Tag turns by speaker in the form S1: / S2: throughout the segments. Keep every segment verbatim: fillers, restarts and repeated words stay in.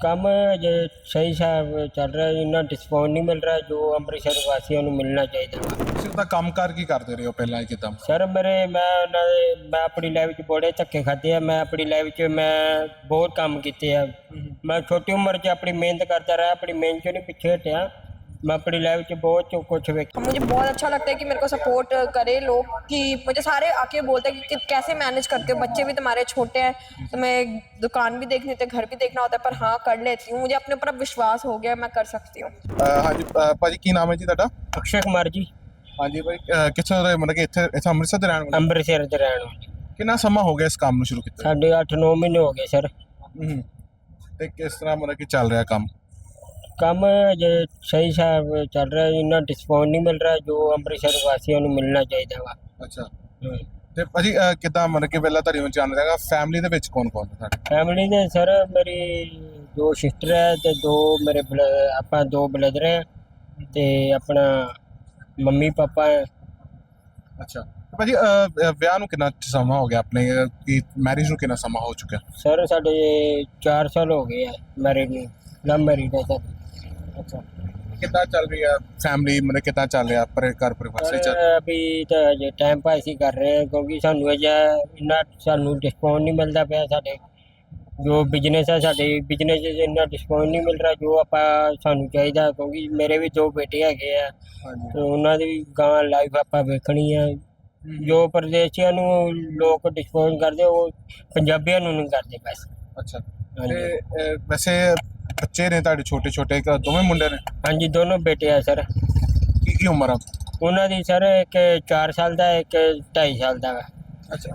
S1: ਕੰਮ ਜੇ ਸਹੀ ਹਿਸਾਬ ਚੱਲ ਰਿਹਾ, ਇੰਨਾ ਡਿਸਕਾਊਂਟ ਨਹੀਂ ਮਿਲ ਰਿਹਾ ਜੋ ਅੰਮ੍ਰਿਤਸਰ ਵਾਸੀਆਂ ਨੂੰ ਮਿਲਣਾ ਚਾਹੀਦਾ ਵਾ।
S2: ਤੁਸੀਂ ਉਹਦਾ ਕੰਮਕਾਰ ਕੀ ਕਰਦੇ ਰਹੇ ਹੋ ਪਹਿਲਾਂ ਕਿਦਾਂ?
S1: ਸਰ ਮੇਰੇ ਮੈਂ ਉਹਨਾਂ ਦੇ ਮੈਂ ਆਪਣੀ ਲਾਈਫ 'ਚ ਬੜੇ ਧੱਕੇ ਖਾਧੇ ਆ। ਮੈਂ ਆਪਣੀ ਲਾਈਫ 'ਚ ਮੈਂ ਬਹੁਤ ਕੰਮ ਕੀਤੇ ਆ। ਮੈਂ ਛੋਟੀ ਉਮਰ 'ਚ ਆਪਣੀ ਮਿਹਨਤ करता रहा, अपनी मेहनत चो नहीं पीछे हटिया। मैं अपनी लाइफ च बहुत कुछ वेख।
S3: मुझे बहुत अच्छा लगता है कि मेरे को सपोर्ट करे लोग, कि मुझे सारे आके बोलते हैं कि, कि कैसे मैनेज करते हो, बच्चे भी तुम्हारे छोटे हैं तो मैं दुकान भी देखनी होती है, घर भी देखना होता है, पर हाँ कर लेती हूँ। मुझे अपने ऊपर अब विश्वास हो गया, मैं कर सकती हूँ।
S2: हाँ जी भाजी, की नाम है जी ਤੁਹਾਡਾ?
S1: अक्षय कुमार जी।
S2: हाँ जी भाई, किथों ਦੇ मतलब कि ਇੱਥੇ ਇੱਥੇ ਅੰਮ੍ਰਿਤਸਰ ਦੇ ਰਹਿਣ ਵਾਲੇ?
S1: ਅੰਮ੍ਰਿਤਸਰ ਦੇ ਰਹਿਣ ਵਾਲੇ।
S2: ਕਿੰਨਾ ਸਮਾਂ ਹੋ ਗਿਆ ਇਸ ਕੰਮ ਨੂੰ ਸ਼ੁਰੂ ਕੀਤੇ?
S1: ਸਾਡੇ ਅੱਠ ਨੌ ਮਹੀਨੇ ਹੋ ਗਏ ਸਰ।
S2: ਹੂੰ। ਤੇ ਕਿਸ ਤਰ੍ਹਾਂ ਮਤਲਬ ਕਿ ਚੱਲ ਰਿਹਾ ਕੰਮ?
S1: ਕੰਮ ਜੇ ਸਹੀ ਹਿਸਾਬ ਚੱਲ ਰਿਹਾ, ਇੰਨਾ ਡਿਸਕਾਊਂਟ ਨਹੀਂ ਮਿਲ ਰਿਹਾ ਜੋ ਅੰਮ੍ਰਿਤਸਰ ਵਾਸੀਆਂ ਨੂੰ ਮਿਲਣਾ ਚਾਹੀਦਾ ਵਾ।
S2: ਅੱਛਾ। ਤੇ ਭਾਜੀ ਅਹ, ਕਿੱਦਾਂ ਮਤਲਬ ਕਿ ਪਹਿਲਾਂ ਤੁਹਾਡੀ ਨੂੰ ਜਾਣ ਰਿਹਾ ਫੈਮਿਲੀ ਦੇ ਵਿੱਚ ਕੌਣ ਕੌਣ ਹੈ ਤੁਹਾਡੇ?
S1: ਫੈਮਿਲੀ ਦੇ ਸਰ ਮੇਰੀ ਦੋ ਸਿਸਟਰ ਹੈ ਤੇ ਦੋ ਮੇਰੇ ਬਲ- ਆਪਾਂ ਦੋ ਬ੍ਰਦਰ ਹੈ ਤੇ ਆਪਣਾ ਮੰਮੀ ਪਾਪਾ ਹੈ।
S2: ਅੱਛਾ ਤੇ ਭਾਜੀ ਅਹ, ਅਹ, ਵਿਆਹ ਨੂੰ ਕਿੰਨਾ ਸਮਾਂ ਹੋ ਗਿਆ ਆਪਣੇ? ਅਹ, ਕੀ ਮੈਰਿਜ ਨੂੰ ਕਿੰਨਾ ਸਮਾਂ ਹੋ ਚੁੱਕਿਆ?
S1: ਸਰ ਸਾਡੇ ਚਾਰ ਸਾਲ ਹੋ ਗਏ ਆ ਮੈਰਿਡ ਨੂੰ, ਲਵ ਮੈਰਿਡ ਹੈ ਸਾਡੀ।
S2: ਅੱਛਾ। ਕਿੱਦਾਂ ਚੱਲ ਰਹੀ ਹੈ ਫੈਮਿਲੀ, ਮਤਲਬ ਕਿੱਦਾਂ ਚੱਲ ਰਿਹਾ ਪਰ ਘਰ ਪਰਿਵਾਰ ਸਹੀ ਚੱਲ?
S1: ਸਰ ਅਭੀ ਤਾਂ ਅਜੇ ਟਾਈਮ ਪਾਸ ਹੀ ਕਰ ਰਹੇ ਹਾਂ ਕਿਉਂਕਿ ਸਾਨੂੰ ਅਜੇ ਇੰਨਾ ਸਾਨੂੰ ਡਿਸਕਾਊਂਟ ਨਹੀਂ ਮਿਲਦਾ ਪਿਆ। ਸਾਡੇ ਜੋ ਬਿਜ਼ਨਸ ਹੈ, ਸਾਡੇ ਬਿਜ਼ਨਸ 'ਚ ਇੰਨਾ ਡਿਸਕਾਊਂਟ ਨਹੀਂ ਮਿਲ ਰਿਹਾ ਜੋ ਆਪਾਂ ਸਾਨੂੰ ਚਾਹੀਦਾ, ਕਿਉਂਕਿ ਮੇਰੇ ਵੀ ਦੋ ਬੇਟੇ ਹੈਗੇ ਆ
S2: ਹਾਂਜੀ।
S1: ਤੇ ਉਹਨਾਂ ਦੀ ਵੀ ਗਾਂ ਲਾਈਫ ਆਪਾਂ ਵੇਖਣੀ ਆ। ਜੋ ਪ੍ਰਦੇਸ਼ੀਆਂ ਨੂੰ ਲੋਕ ਡਿਸਕਾਊਂਟ ਕਰਦੇ ਉਹ ਪੰਜਾਬੀਆਂ ਨੂੰ ਨਹੀਂ ਕਰਦੇ ਬਸ।
S2: ਅੱਛਾ।
S1: ਹਾਂਜੀ
S2: ਤੇ ਅਹ, ਵੈਸੇ ਬੱਚੇ ਨੇ ਤੁਹਾਡੇ ਛੋਟੇ ਛੋਟੇ ਦੋਵੇਂ ਮੁੰਡੇ ਨੇ?
S1: ਹਾਂਜੀ ਦੋਨੋਂ ਬੇਟੇ ਆ ਸਰ।
S2: ਕੀ ਕੀ ਉਮਰ ਆ?
S1: ਉਹਨਾਂ ਦੀ ਸਰ ਇੱਕ ਚਾਰ ਸਾਲ ਦਾ ਇੱਕ ਢਾਈ ਸਾਲ ਦਾ ਵਾ।
S2: ਅੱਛਾ।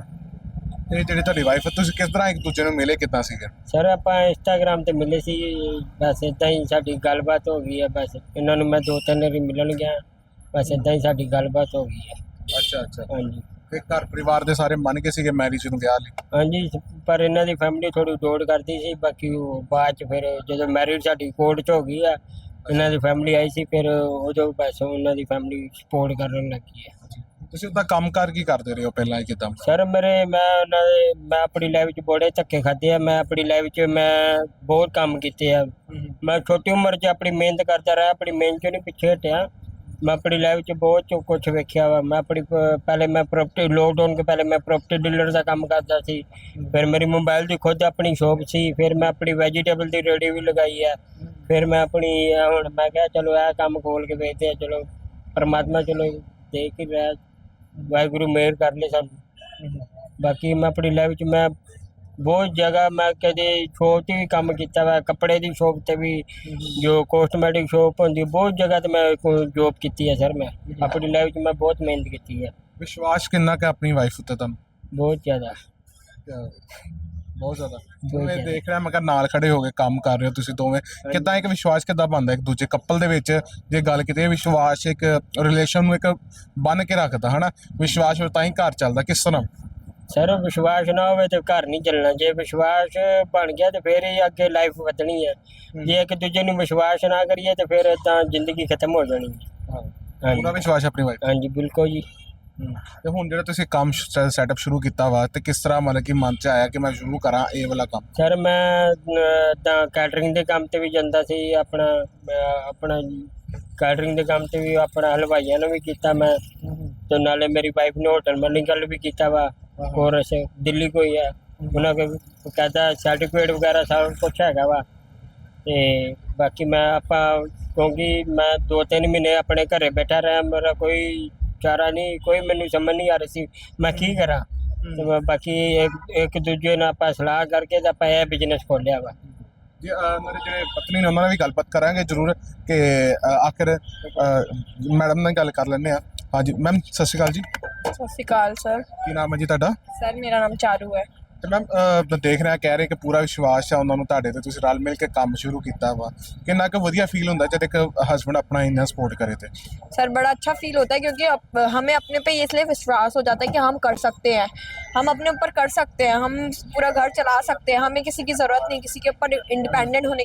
S2: ਤੇ ਜਿਹੜੀ ਤੁਹਾਡੀ ਵਾਈਫ, ਤੁਸੀਂ ਕਿਸ ਤਰ੍ਹਾਂ ਇੱਕ ਦੂਜੇ ਨੂੰ ਮਿਲੇ, ਕਿੱਦਾਂ ਸੀਗੇ?
S1: ਸਰ ਆਪਾਂ ਇੰਸਟਾਗ੍ਰਾਮ ਤੇ ਮਿਲੇ ਸੀ, ਬਸ ਇੱਦਾਂ ਹੀ ਸਾਡੀ ਗੱਲਬਾਤ ਹੋ ਗਈ ਹੈ। ਬਸ ਇਹਨਾਂ ਨੂੰ ਮੈਂ ਦੋ ਤਿੰਨ ਵਾਰੀ ਮਿਲਣ ਗਿਆ, ਬਸ ਇੱਦਾਂ ਹੀ ਸਾਡੀ ਗੱਲਬਾਤ ਹੋ ਗਈ ਹੈ।
S2: ਅੱਛਾ ਅੱਛਾ।
S1: ਹਾਂਜੀ
S2: ਤੇ ਘਰ ਪਰਿਵਾਰ ਦੇ ਸਾਰੇ ਮੰਨ ਕੇ ਸੀਗੇ ਮੈਰਿਜ ਨੂੰ ਵਿਆਹ ਲਈ?
S1: ਹਾਂਜੀ, ਪਰ ਇਹਨਾਂ ਦੀ ਫੈਮਿਲੀ ਥੋੜੀ ਦੌੜ ਕਰਦੀ ਸੀ। ਬਾਕੀ ਉਹ ਬਾਅਦ ਚ ਫਿਰ ਜਦੋਂ ਮੈਰਿਜ ਸਾਡੀ ਕੋਰਟ 'ਚ ਹੋ ਗਈ ਆ, ਇਹਨਾਂ ਦੀ ਫੈਮਿਲੀ ਆਈ ਸੀ, ਫਿਰ ਉਦੋਂ ਬਸ ਉਹਨਾਂ ਦੀ ਫੈਮਿਲੀ ਸਪੋਰਟ ਕਰਨ ਲੱਗੀ ਹੈ।
S2: ਤੁਸੀਂ ਉਹਦਾ ਕੰਮਕਾਰ ਕੀ ਕਰਦੇ ਰਹੇ ਹੋ ਪਹਿਲਾਂ ਕਿਦਾਂ?
S1: ਸਰ ਮੇਰੇ ਮੈਂ ਉਹਨਾਂ ਦੇ ਮੈਂ ਆਪਣੀ ਲਾਈਫ 'ਚ ਬੜੇ ਧੱਕੇ ਖਾਧੇ ਆ। ਮੈਂ ਆਪਣੀ ਲਾਈਫ 'ਚ ਮੈਂ ਬਹੁਤ ਕੰਮ ਕੀਤੇ ਆ। ਮੈਂ ਛੋਟੀ ਉਮਰ 'ਚ ਆਪਣੀ ਮਿਹਨਤ ਕਰਦਾ ਰਿਹਾ, ਆਪਣੀ ਮਿਹਨਤ 'ਚੋਂ ਨਹੀਂ ਪਿੱਛੇ ਹਟਿਆ। मैं अपनी लाइफ च बहुत कुछ वेख्या वा। मैं अपनी पहले मैं प्रॉपर्टी लॉकडाउन के पहले मैं प्रॉपर्टी डीलर का काम करता सी। फिर मेरी मोबाइल की खुद अपनी शॉप सी। फिर मैं अपनी वेजिटेबल की रेडी भी लगाई है। फिर मैं अपनी हुण मैं कहा चलो यह काम खोल के बेचते हैं, चलो परमात्मा चलो देख ही रहा, वाहगुरू मेहर कर ले सानू। बाकी मैं अपनी लाइफ च मैं बहुत जगह मैं कदे शॉप से भी काम किया वा, कपड़े की शॉप से भी, जो कॉस्टमैटिक शॉप होंगी, बहुत जगह तो मैं जॉब की है। सर मैं अपनी लाइफ में मैं बहुत मेहनत की है।
S2: विश्वास कितना का अपनी वाइफ उत्ते तुहानू?
S1: बहुत ज़्यादा,
S2: बहुत ज़्यादा। मैं देख रहा मैं कहा नाल खड़े हो गए काम कर रहे हो तुसीं दोवें, किद्दां एक विश्वास किद्दां बनदा एक दूजे कपल दे विच? जे गल कीते विश्वास एक रिलेशन नूं एक बन के रखदा है ना, विश्वास हो तां ही घर चलदा। किस तरह?
S1: सर विश्वास ना हो तो घर नहीं चलना। जे विश्वास बन गया तो फिर ही अगे लाइफ बदनी है। जे एक दूजे ਨੂੰ विश्वास ना करिए तो फिर ਤਾਂ ਜ਼ਿੰਦਗੀ ਖਤਮ ਹੋ ਜਾਣੀ ਹੈ।
S2: ਪੂਰਾ ਵਿਸ਼ਵਾਸ ਆਪਣੀ ਵਾਈਫ?
S1: ਹਾਂਜੀ ਬਿਲਕੁਲ ਜੀ।
S2: ਤੇ ਹੁਣ ਜਿਹੜਾ ਤੁਸੀਂ ਕੰਮ ਸੈਟਅਪ ਸ਼ੁਰੂ ਕੀਤਾ ਵਾ ਤੇ ਕਿਸ ਤਰ੍ਹਾਂ ਮਤਲਬ ਕਿ ਮਨ 'ਚ ਆਇਆ ਕਿ ਮੈਂ ਸ਼ੁਰੂ ਕਰਾਂ ਇਹ ਵਾਲਾ ਕੰਮ?
S1: ਸਰ ਮੈਂ ਤਾਂ ਕੈਟਰਿੰਗ ਦੇ ਕੰਮ ਤੇ ਵੀ ਜਾਂਦਾ ਸੀ। ਆਪਣਾ ਆਪਣਾ ਕੈਟਰਿੰਗ ਦੇ ਕੰਮ ਤੇ ਵੀ ਆਪਣਾ ਹਲਵਾਈਆਂ ਨੂੰ ਵੀ ਕੀਤਾ ਮੈਂ, ਤੇ ਨਾਲੇ ਮੇਰੀ ਵਾਈਫ ਨੇ ਹੋਟਲ ਮੈਨੇਜਰ ਵੀ ਕੀਤਾ ਵਾ ਕੋਰਸ ਦਿੱਲੀ ਕੋਈ ਹੈ। ਉਹਨਾਂ ਕੋਲ ਕਹਿੰਦਾ ਸਰਟੀਫਿਕੇਟ ਵਗੈਰਾ ਸਭ ਕੁਛ ਹੈਗਾ ਵਾ। ਤੇ ਬਾਕੀ ਮੈਂ ਆਪਾਂ ਕਿਉਂਕਿ ਮੈਂ ਦੋ ਤਿੰਨ ਮਹੀਨੇ ਆਪਣੇ ਘਰੇ ਬੈਠਾ ਰਿਹਾ, ਮੇਰਾ ਕੋਈ ਚਾਰਾ ਨਹੀਂ, ਕੋਈ ਮੈਨੂੰ ਸਮਝ ਨਹੀਂ ਆ ਰਹੀ ਸੀ ਮੈਂ ਕੀ ਕਰਾਂ। ਤੇ ਮੈਂ ਬਾਕੀ ਇੱਕ ਇੱਕ ਦੂਜੇ ਨਾਲ ਆਪਾਂ ਸਲਾਹ ਕਰਕੇ ਤਾਂ ਆਪਾਂ ਇਹ ਬਿਜ਼ਨਸ ਖੋਲ੍ਹਿਆ ਵਾ।
S2: ਜੀ ਮੇਰੇ ਜਿਹੜੇ ਪਤਨੀ ਨੇ ਉਹਨਾਂ ਨਾਲ ਵੀ ਗੱਲਬਾਤ ਕਰਾਂਗੇ ਜ਼ਰੂਰ ਕਿ ਆਖਿਰ ਮੈਡਮ ਨਾਲ ਗੱਲ ਕਰ ਲੈਂਦੇ ਹਾਂ। ਹਾਂਜੀ ਮੈਮ ਸਤਿ ਸ਼੍ਰੀ ਅਕਾਲ ਜੀ।
S3: सत श्री अकाल सर।
S2: ਕੀ ਨਾਮ ਹੈ ਜੀ ਤੁਹਾਡਾ?
S3: सर मेरा नाम चारू है।
S2: ਤੇ ਮੈਮ ਦੇਖ ਰਿਹਾ ਕਹਿ ਰਹੇ ਕਿ ਪੂਰਾ ਵਿਸ਼ਵਾਸ ਹੈ ਉਹਨਾਂ ਨੂੰ ਤੁਹਾਡੇ ਤੇ, ਤੁਸੀਂ ਰਲ ਮਿਲ ਕੇ ਕੰਮ ਸ਼ੁਰੂ ਕੀਤਾ ਵਾ, ਕਿੰਨਾ ਕੁ ਵਧੀਆ ਫੀਲ ਹੁੰਦਾ ਜਦ ਇੱਕ ਹਸਬੈਂਡ ਆਪਣਾ ਇੰਨਾ ਸਪੋਰਟ ਕਰੇ ਤੇ?
S3: सर बड़ा अच्छा फील होता है क्योंकि अप, हमें अपने पे इसलिए विश्वास हो जाता है कि हम कर सकते हैं, हम अपने ऊपर कर सकते हैं, हम पूरा घर चला सकते हैं, हमें किसी की ज़रूरत नहीं, किसी के ऊपर इंडिपेंडेंट होने की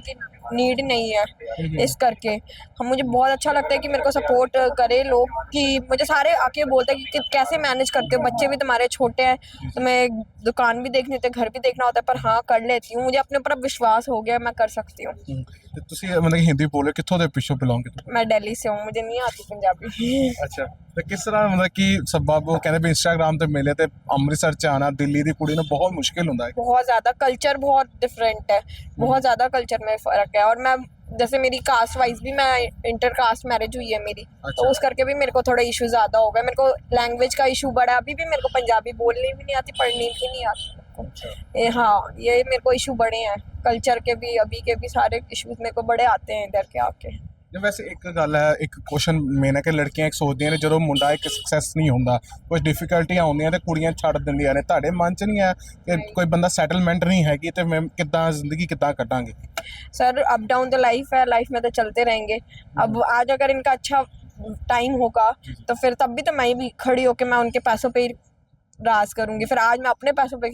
S3: नीड नहीं है इस करके हम मुझे बहुत अच्छा लगता है कि मेरे को सपोर्ट करे लोग कि मुझे सारे आके बोलते हैं कि, कि कैसे मैनेज करते हो, बच्चे भी तुम्हारे छोटे हैं तो मैं दुकान भी देखनी होती है घर भी देखना होता है पर हाँ कर लेती हूँ, मुझे अपने ऊपर अब विश्वास हो गया मैं कर सकती हूँ।
S2: ਤੇ ਤੁਸੀਂ ਮਤਲਬ ਕਿ ਹਿੰਦੀ ਬੋਲੇ ਕਿੱਥੋਂ ਦੇ ਪਿੱਛੋਂ ਬਿਲੋਂਗ ਕਰਦੇ
S3: मैं दिल्ली से हूँ, मुझे नहीं आती पंजाबी।
S2: ਅੱਛਾ ਤੇ ਕਿਸ ਤਰ੍ਹਾਂ ਮਤਲਬ ਕਿ ਸਬਬ ਉਹ ਕਹਿੰਦੇ ਵੀ ਇੰਸਟਾਗ੍ਰਾਮ ਤੇ ਮਿਲੇ ਤੇ ਅੰਮ੍ਰਿਤਸਰ ਚ ਆਣਾ ਦਿੱਲੀ ਦੀ ਕੁੜੀ ਨੂੰ ਬਹੁਤ ਮੁਸ਼ਕਿਲ ਹੁੰਦਾ ਹੈ
S3: बहुत ज़्यादा कल्चर बहुत डिफरेंट है, बहुत ज़्यादा कल्चर में फ़र्क है और मैं जैसे मेरी कास्ट वाइज भी मैं इंटर कास्ट मैरिज हुई है मेरी
S2: अच्छा।
S3: तो उस करके भी मेरे को थोड़ा इशू ज़्यादा हो गया, मेरे को लैंग्वेज का इशू बड़ा, अभी भी मेरे को पंजाबी बोलनी भी नहीं आती पढ़नी भी नहीं आती मेरे को। ये हाँ ये मेरे को इशू बड़े हैं कल्चर के भी, अभी के भी सारे इश्यूज मेरे को बड़े आते हैं इधर के आके।
S2: ਜੇ ਵੈਸੇ ਇੱਕ ਗੱਲ ਹੈ ਇੱਕ ਕੁਐਸਚਨ ਮੇਨ ਹੈ ਕਿ ਲੜਕੀਆਂ ਇੱਕ ਸੋਚਦੀਆਂ ਨੇ ਜਦੋਂ ਮੁੰਡਾ ਇੱਕ ਸਕਸੈਸ ਨਹੀਂ ਹੁੰਦਾ ਕੁਝ ਡਿਫਿਕਲਟੀਆਂ ਆਉਂਦੀਆਂ ਤੇ ਕੁੜੀਆਂ ਛੱਡ ਦਿੰਦੀਆਂ ਨੇ ਤੁਹਾਡੇ ਮਨ 'ਚ ਨਹੀਂ ਹੈ ਕਿ ਕੋਈ ਬੰਦਾ ਸੈਟਲਮੈਂਟ ਨਹੀਂ ਹੈਗੀ ਤੇ ਮੈਂ ਕਿੱਦਾਂ ਜ਼ਿੰਦਗੀ ਕਿੱਦਾਂ ਕੱਟਾਂਗੇ
S3: सर अप डाउन तो लाइफ है, लाइफ में तो चलते रहेंगे। अब आज अगर इनका अच्छा टाइम होगा तो फिर तब भी तो मैं भी खड़ी होकर मैं उनके पैसों पे ही राज करूंगी, फिर आज मैं अपने पैसों पे